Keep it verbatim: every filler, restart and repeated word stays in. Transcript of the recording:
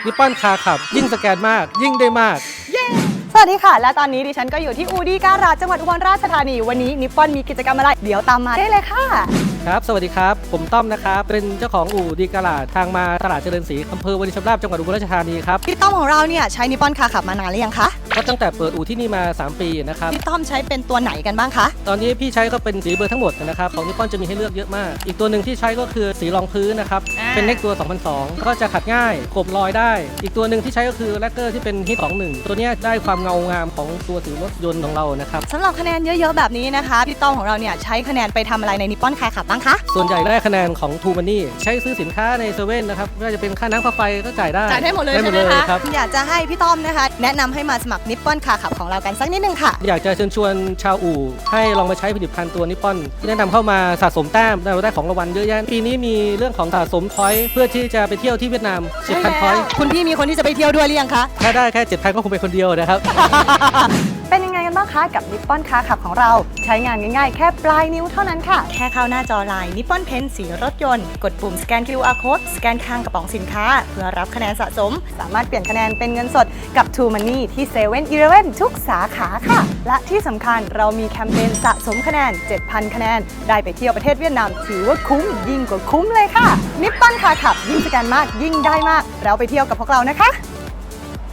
นิปปอนคาร์ขับยิ่งสแกนมากยิ่งได้มากสวัสดีค่ะและตอนนี้ดิฉันก็อยู่ที่อูดี้การาดจังหวัดอุบลราชธานีวันนี้นิปปอนมีกิจกรรมอะไรเดี๋ยวตามมาได้เลยค่ะครับสวัสดีครับผมต้อมนะครับเป็นเจ้าของอู่ดีการาดทางมาตลาดเจริญศรีอำเภอวารินชำราบจังหวัดอุบลราชธานีครับพี่ต้อมของเราเนี่ยใช้นิปปอนคาร์ขับมานานหรือยังคะก็ตั้งแต่เปิดอู่ที่นี่มาสามปีนะครับพี่ต้อมใช้เป็นตัวไหนกันบ้างคะตอนนี้พี่ใช้ก็เป็นสีเบอร์ทั้งหมดนะครับของนิปปอนจะมีให้เลือกเยอะมากอีกตัวหนึ่งที่ใช้ก็คือสีรองพื้นนะครับเป็นเน็กตัวสองพันสองก็จะขัดง่ายกบรอยได้อีกตัวหนึ่งที่ใช้ก็คือแลกเกอร์ที่เป็นฮิตสองหนึ่งตัวนี้ได้ความเงางามของตัวสีรถยนต์ของเรานะครับสำหรับคะแนนเยอะๆแบบนี้นะคะพี่ต้อมของเราเนี่ยใช้คะแนนไปทำอะไรในนิปปอนคาร์ขับบ้างคะส่วนใหญ่ได้คะแนนของทูมันนี่ใช้ซื้อสินค้าในเซเว่นนะครับไม่ว่าจะเป็นค่าน้ำค่าไฟก็จ่ายได้จ่ายได้หมดเลยใช่ไหมคะอยากจะให้พี่ต้อมนะคะแนะนำให้มาสมัครนิปปอนคาร์ขับของเรากันสักนิดนึงค่ะอยากจะเชิญชวนชาวอู่ให้ลองมาใช้ผลิตภัณฑ์ตัวนิปปอนที่แนะนำเข้ามาสะสมแต้มได้ของรางวัลเยอะแยะปีนี้มีเรื่องของสะสมพอยต์เพื่อที่จะไปเที่ยวที่เวียดนาม เจ็ดพัน พอยต์คุณพี่มีคนที่จะไปเที่ยวด้วยหรือยังคะถ้าได้แค่ เจ็ดพัน ก็คงเป็นคนเดียวนะครับเป็นยังไงกันบ้างคะกับนิปปอนคาร์ขับของเราใช้งานง่ายๆแค่ปลายนิ้วเท่านั้นค่ะแค่เข้าหน้าจอไลน์นิปปอนเพนสีรถยนต์กดปุ่มสแกน คิว อาร์ Code สแกนข้างกระป๋องสินค้าเพื่อรับคะแนนสะสมสามารถเปลี่ยนคะแนนเป็นเงินสดกับ True Money ที่ เซเว่น อีเลฟเว่น ทุกสาขาค่ะและที่สำคัญเรามีแคมเปญสะสมคะแนน เจ็ดพัน คะแนนได้ไปเที่ยวประเทศเวียดนามถือว่าคุ้มยิ่งกว่าคุ้มเลยค่ะนิปปอนคาร์ขับยิ่งสแกนมากยิ่งได้มากเราไปเที่ยวกับพวกเรานะคะ